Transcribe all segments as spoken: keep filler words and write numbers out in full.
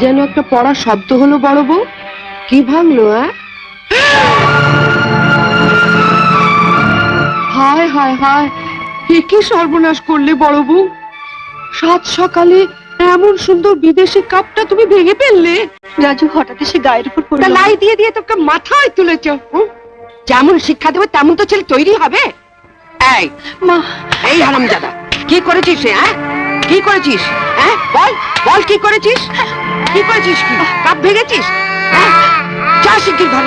যেন একটা পড়া শব্দ হলো বড় বউ। কি ভাঙলো? হায় হায় হায়, কি সর্বনাশ করলে বড় বউ! সাত সকালে এমন সুন্দর বিদেশি কাপটা তুমি ভেঙে ফেললে। রাজু হঠাৎ এসে গায়ের উপর পড়ল। লাই দিয়ে দিয়ে তোকে মাথায় তুলেছ। যেমন শিক্ষা দেবে তেমন তো ছেলে তৈরি হবে। এই মা, এই হারামজাদা, কি করেছিস? হ্যাঁ, কি করেছিস? হ্যাঁ, বল বল, কি করেছিস? কি করেছিস? কি কাপ ভেঙেছিস? যা শিগগির ঘরে।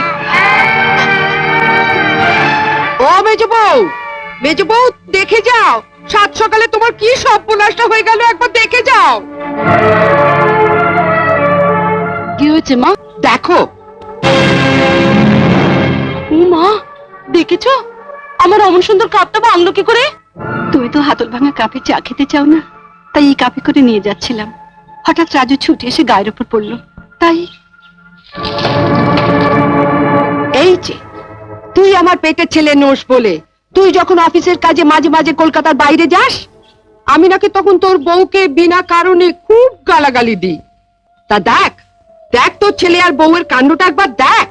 ও মেজ বউ, মেজ বউ, দেখে যাও সাত সকালে তোমার কি সর্বনাশটা হয়ে গেল, একবার দেখে যাও। কি হয়েছে মা? দেখো। ও মা, দেখেছো আমার অমন সুন্দর কাপটা ভাঙলো কি করে? তুমি তো হাতল ভাঙা কাপে চা খেতে চাও না, তাই এই কাপে করে নিয়ে যাচ্ছিলাম। হঠাৎ রাজু ছুটে এসে গায়ের উপর পড়লো, তাই। এই যে তুই আমার পেটের ছেলে নোস বলে তুই যখন অফিসের কাজে মাঝে মাঝে কলকাতার বাইরে যাস, আমি নাকি তখন তোর বউকে বিনা কারণে খুব গালাগালি দিই। তা দেখ দেখ তোর ছেলে আর বউয়ের কাণ্ডটা একবার দেখ।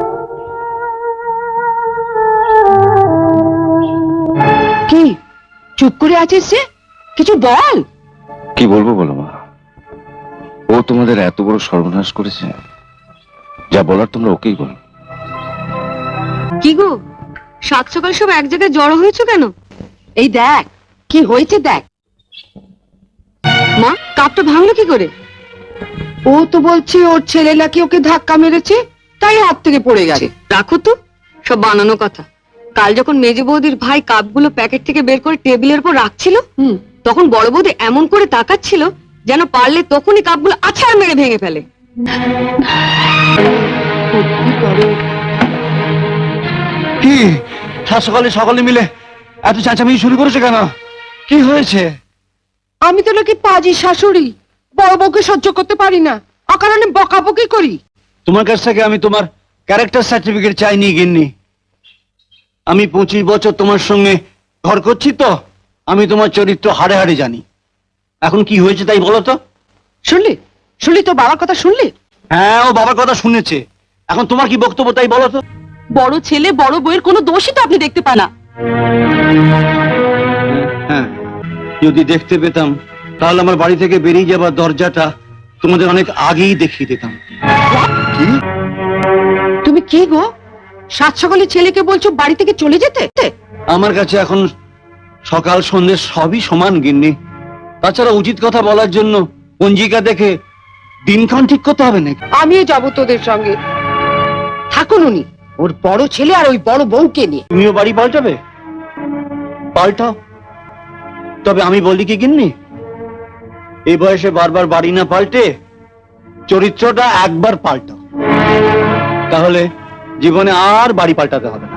কি চুপ করে আছিস যে? কিছু বল। কি বলবো বলো মা, ও তোমাদের এত বড় সর্বনাশ করেছে, যা বলার তোমরা ওকেই বলো। কি গো, সাত সকাল সব এক জায়গায় জড়ো হয়েছে কেন? এই দেখ কি হয়েছে দেখ। মা, কাপটা ভাঙলো কি করে? ও তো বলছে ওর ছেলে নাকি ওকে ধাক্কা মেরেছে, তাই হাত থেকে পড়ে গেছে। রাখো তো, সব বানানো কথা। কাল যখন মেজে বৌদির ভাই কাপগুলো প্যাকেট থেকে বের করে টেবিলের উপর রাখছিল, হুম, তখন বড় বৌদি এমন করে তাকাচ্ছিল যেন পারলে তখনই কাপগুলো আছাড় মেরে ভেঙে ফেলে। কি সাত সকালে সকালে মিলে এত চেঁচামেচি শুরু করেছে কেন? কি হয়েছে? আমি তো নাকি পাজি শাশুড়ি, বড় বউকে সহ্য করতে পারি না, অকারণে বকাবকি করি। তোমার কাছ থেকে আমি তোমার ক্যারেক্টার সার্টিফিকেট চাইনি গিন্নি। আমি পঁচিশ বছর তোমার সঙ্গে ঘর করছি, তো আমি তোমার চরিত্র হাড়ে হাড়ে জানি। এখন কি হয়েছে তাই বলো তো। শুনলি শুনলি তো বাবার কথা শুনলি? হ্যাঁ, ও বাবার কথা শুনেছে। এখন তোমার কি বক্তব্য তাই বলো তো। বড় ছেলে বড় বউয়ের কোনো দোষই তো আপনি দেখতে পান না। হ্যাঁ, যদি দেখতে পেতাম তাহলে আমার বাড়ি থেকে বেরিয়ে যাবার দরজাটা তোমাদের অনেক আগেই দেখিয়ে দিতাম। কি? তুমি কি গো, সাত সকালে ছেলেকে বলছো বাড়ি থেকে চলে যেতে? আমার কাছে এখন সকাল সন্ধ্যে সবই সমান গিন্নি। তাছাড়া উচিত কথা বলার জন্য পঞ্জিকা দেখে দিনক্ষণ ঠিক করতে হবে নাকি? আমিও যাবো তোদের সঙ্গে। থাকুন উনি, ওর বড় ছেলে আর ওই বড় বউকে নিয়ে। তুমিও বাড়ি পাল্টাবে? পাল্টাও, তবে আমি বলি কি গিন্নি, এই বয়সে বারবার বাড়ি না পাল্টে চরিত্রটা একবার পাল্টাও, তাহলে জীবনে আর বাড়ি পাল্টাতে হবে না।